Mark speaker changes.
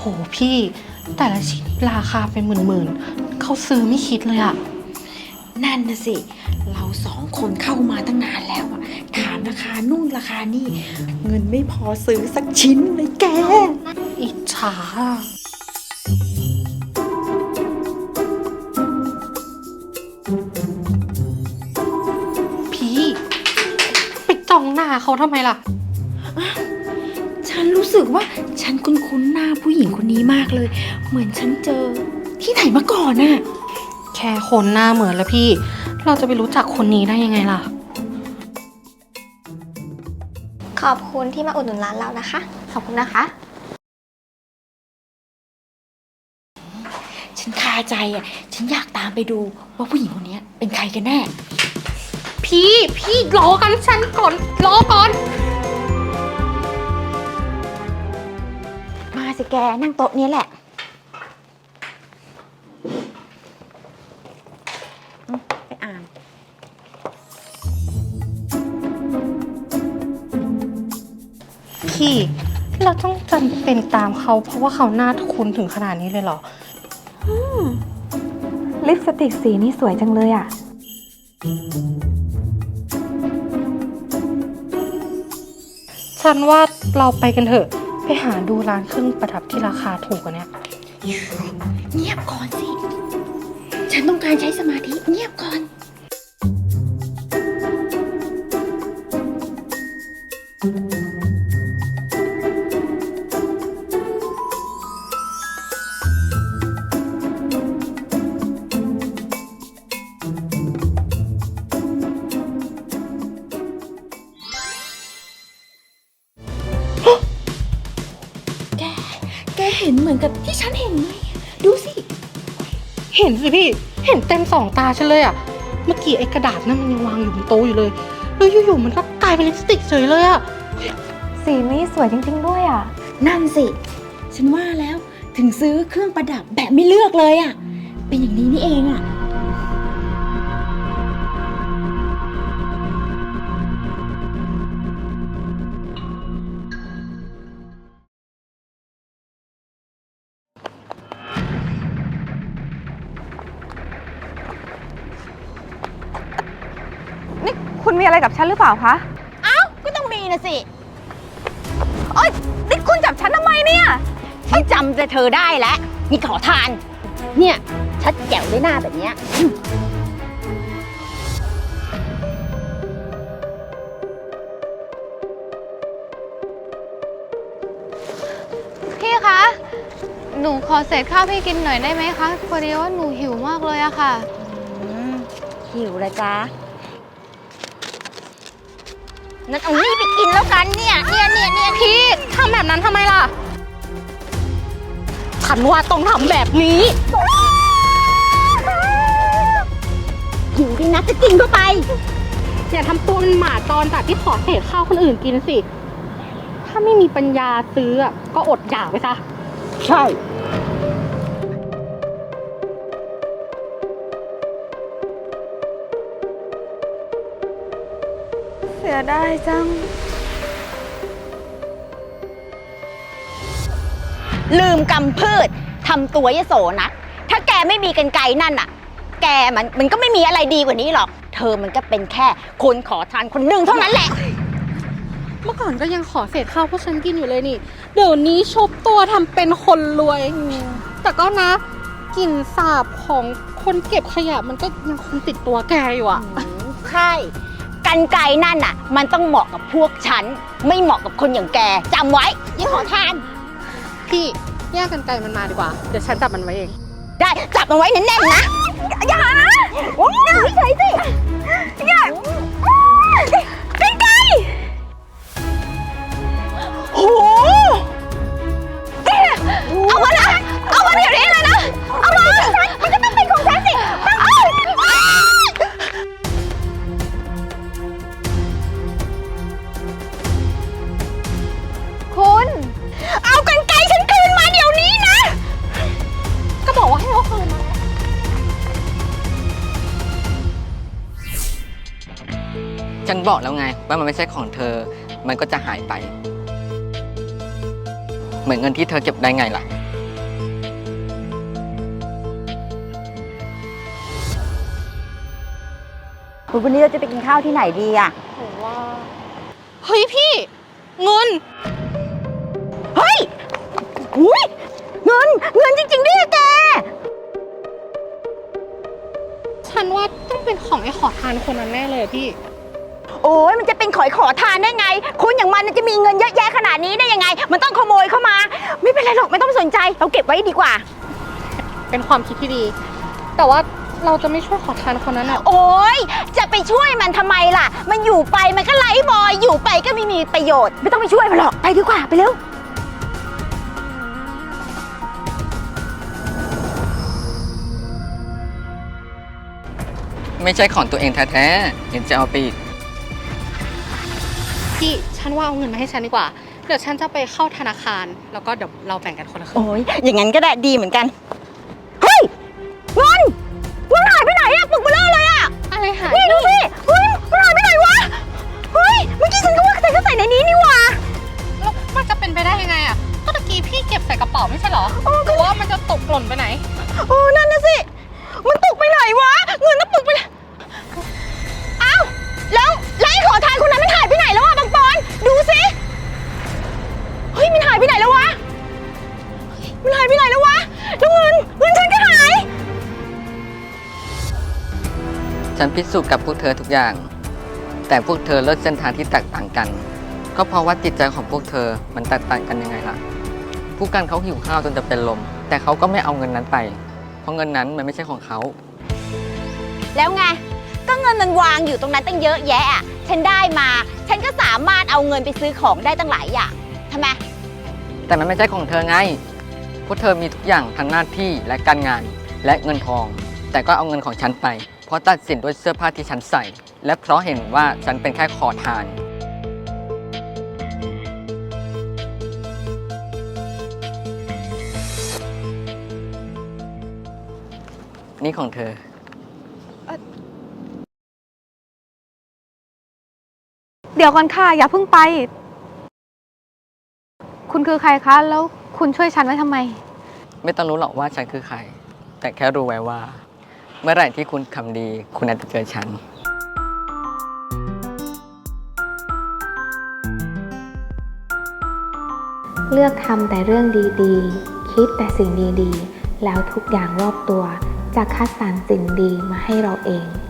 Speaker 1: พี่แต่ละชิ้นราคาเป็นหมื่นๆเขาซื้อไม่คิดเลยอะ
Speaker 2: นั่นนะสิเราสองคนเข้ามาตั้งนานแล้วอะถามราคานู่นราคานี่เงินไม่พอซื้อสักชิ้นเลยแก
Speaker 1: อิจฉาพี่ไปจ้องหน้าเขาทำไมล่ะ
Speaker 2: ฉันรู้สึกว่าฉันคุ้นๆหน้าผู้หญิงคนนี้มากเลย เหมือนฉันเจอที่ไหนมาก่อนน่ะ
Speaker 1: แค่คนหน้าเหมือนแล้วพี่เราจะไปรู้จักคนนี้ได้ยังไงล่ะ
Speaker 3: ขอบคุณที่มาอุดหนุนร้านเรานะคะขอบคุณนะคะ
Speaker 2: ฉันคาใจอ่ะฉันอยากตามไปดูว่าผู้หญิงคนนี้เป็นใครกันแน่
Speaker 1: พี่รอกันฉันก่อนรอก่อน
Speaker 2: มาสิแกนั่งโต๊ะนี้แหละไปอ่าน
Speaker 1: พี่เราต้องจำเป็นตามเขาเพราะว่าเขาหน้าคุ้นถึงขนาดนี้เลยเหรอ
Speaker 4: ลิปสติกสีนี้สวยจังเลยอ่ะ
Speaker 1: ฉันว่าเราไปกันเถอะไปหาดูร้านเครื่องประดับที่ราคาถูกกว่านี้
Speaker 2: เงียบก่อนสิฉันต้องการใช้สมาธิเงียบก่อนแกเห็นเหมือนกับที่ฉันเห็นไหมดูสิ
Speaker 1: เห็นสิพี่เห็นเต็มสองตาฉันเลยอะเมื่อกี้ไอ้กระดาษนั่นมันยังวางอยู่บนโต๊ะอยู่เลยแล้วอยู่ๆมันก็กลายเป็นลิปสติกเฉยเลยอะ
Speaker 4: สีนี้สวยจริงๆด้วยอ่ะ
Speaker 2: นั่นสิฉันว่าแล้วถึงซื้อเครื่องประดับแบบไม่เลือกเลยอ่ะเป็นอย่างนี้นี่เองอ่ะ
Speaker 4: นี่คุณมีอะไรกับฉันหรือเปล่าคะ
Speaker 2: อ้าวก็ต้องมีนะสิ
Speaker 4: โอ๊ยนี่คุณจับฉันทำไมเนี่ย
Speaker 2: ฉันจำแต่เธอได้แล้วนี่ขอทานเนี่ยชัดแจ๋วด้วยหน้าแบบเนี้ย
Speaker 5: พี่คะ หนูขอเศษข้าวพี่กินหน่อยได้ไหมคะพอดีว่าหนูหิวมากเลยอะค่ะ
Speaker 2: หิวเลยจ้านั่นเอานี่ไปกินแล้วกันเนี่ย
Speaker 1: พี่ทำแบบนั้นทำไมล่ะฉันว่าต้องทำแบบนี้
Speaker 2: หิวดินะจะกินเข้าไป
Speaker 1: อย่าทำตัวเป็นหมาตอนจากที่ขอเศษข้าวคนอื่นกินสิถ้าไม่มีปัญญาซื้อก็อดอยากไปซะ
Speaker 2: ใช่
Speaker 4: เสียดายจัง
Speaker 2: ลืมกำพืชทำตัวยโสนะถ้าแกไม่มีกรรไกรนั่นน่ะแกมันก็ไม่มีอะไรดีกว่านี้หรอกเธอมันก็เป็นแค่คนขอทานคนหนึ่งเท่านั้นแหละ
Speaker 1: เมื่อก่อนก็ยังขอเศษข้าวพวกฉันกินอยู่เลยนี่เดี๋ยวนี้ชบตัวทำเป็นคนรวยแต่ก็นะกลิ่นสาบของคนเก็บขยะมันก็ยังคงติดตัวแกอยู่อ่ะ
Speaker 2: ใช่กรรไกรนั่นน่ะมันต้องเหมาะกับพวกฉันไม่เหมาะกับคนอย่างแกจำไว้ยิ่งขอทาน
Speaker 1: พี่แยกกันไกลมันมาดีกว่าเดี๋ยวฉันจับมันไว้เอง
Speaker 2: ได้จับมันไว้แน่นๆนะอย่านะเฉยสิอย่ากันไกรโอ้เอามานะเอามาเดี๋ยวนี้เลยนะเอามามันก็ต้องเป็นของฉันสิ
Speaker 5: คุณ
Speaker 2: เอากรรไกรฉันคืนมาเดี๋ยวนี้นะ
Speaker 1: ก็บอกว่าให้เอาคืนมา
Speaker 6: ฉันบอกแล้วไงว่ามันไม่ใช่ของเธอมันก็จะหายไปเหมือนเงินที่เธอเก็บได้ไงล่ะ
Speaker 2: วันนี้เราจะไปกินข้าวที่ไหนดีอะ
Speaker 1: หนูว่า เฮ้ยพี่ เงิน
Speaker 2: เฮ้ยหุยเงินจริงๆด้วยอะแก
Speaker 1: ฉันว่าต้องเป็นของไอ้ขอทานคนนั้นแน่เลยอะพี่
Speaker 2: โอ้ยมันจะเป็นขอทานได้ไงคนอย่างมันจะมีเงินเยอะแยะขนาดนี้ได้ยังไง มันต้องขโมยเข้ามา ไม่เป็นไรหรอกไม่ต้องสนใจเราเก็บไว้ดีกว่า
Speaker 1: เป็นความคิดที่ดี แต่ว่าเราจะไม่ช่วยขอทานคนนั้นอะ
Speaker 2: โอ้ยจะไปช่วยมันทำไมล่ะ มันอยู่ไปมันก็ไร้บอยอยู่ไปก็ไม่มีประโยชน์ไม่ต้องไปช่วยมันหรอกไปดีกว่าไปเร็ว
Speaker 6: ไม่ใช่ของตัวเองแท้ๆเห็นจะเอาไปอีก
Speaker 1: พี่ ฉันว่าเอาเงินมาให้ฉันดีกว่า เดี๋ยวฉันจะไปเข้าธนาคาร แล้วก็เดี๋ยวเราแบ่งกันคนละครึ่ง
Speaker 2: โอ้ยอย่างนั้นก็ได้ดีเหมือนกันเฮ้ยเงินหายไปไหนอะปึกเบลอเลยอะ
Speaker 1: อะไรหาย
Speaker 2: นี่ดูสิเฮ้ยมันหายไปไหนวะเฮ้ยเมื่อกี้ฉันก็ว่าใส่ในนี้นี่หว่า
Speaker 1: แล้วมันจะเป็นไปได้ยังไงอะก็ตะกี้พี่เก็บใส่กระเป๋าไม่ใช่เหรอหรือว่ามันจะตกหล่นไปไหน
Speaker 2: โอ้นั่นน่ะสิมันตกไปไหนวะเงินน่ะปึกไปเลยอ้าวแล้วไอ้ขอทานคนนั้นมันหายไปไหนแล้วอะบางปอนดูสิเฮ้ยมันหายไปไหนแล้ววะมันหายไปไหนแล้ววะแล้วเงินฉันก็หาย
Speaker 6: ฉันพิสูจน์กับพวกเธอทุกอย่าง แต่พวกเธอเลือกเส้นทางที่แตกต่างกัน ก็เพราะว่าจิตใจของพวกเธอมันแตกต่างกันยังไงล่ะ ผู้กันเขาหิวข้าวจนจะเป็นลม แต่เขาก็ไม่เอาเงินนั้นไป เพราะเงินนั้นมันไม่ใช่ของเขา
Speaker 2: แล้วไงก็เงินมันวางอยู่ตรงนั้นตั้งเยอะแยะอะฉันได้มาฉันก็สามารถเอาเงินไปซื้อของได้ตั้งหลายอย่างทำไม
Speaker 6: แต่มันไม่ใช่ของเธอไง พวกเธอมีทุกอย่างทั้งหน้าที่และการงานและเงินทอง แต่ก็เอาเงินของฉันไป เพราะตัดสินด้วยเสื้อผ้าที่ฉันใส่ และเพราะเห็นว่าฉันเป็นแค่ขอทาน นี่ของเธอ
Speaker 5: เดี๋ยวก่อนค่ะ อย่าเพิ่งไป คุณคือใครคะ แล้วคุณช่วยฉันไว้ทำไม
Speaker 6: ไม่ต้องรู้หรอกว่าฉันคือใคร แต่แค่รู้ไว้ว่า เมื่อไหร่ที่คุณทำดี คุณอาจจะเจอฉัน
Speaker 7: เลือกทำแต่เรื่องดีๆ คิดแต่สิ่งดีๆ แล้วทุกอย่างรอบตัวจะคัดสรรสิ่งดีมาให้เราเอง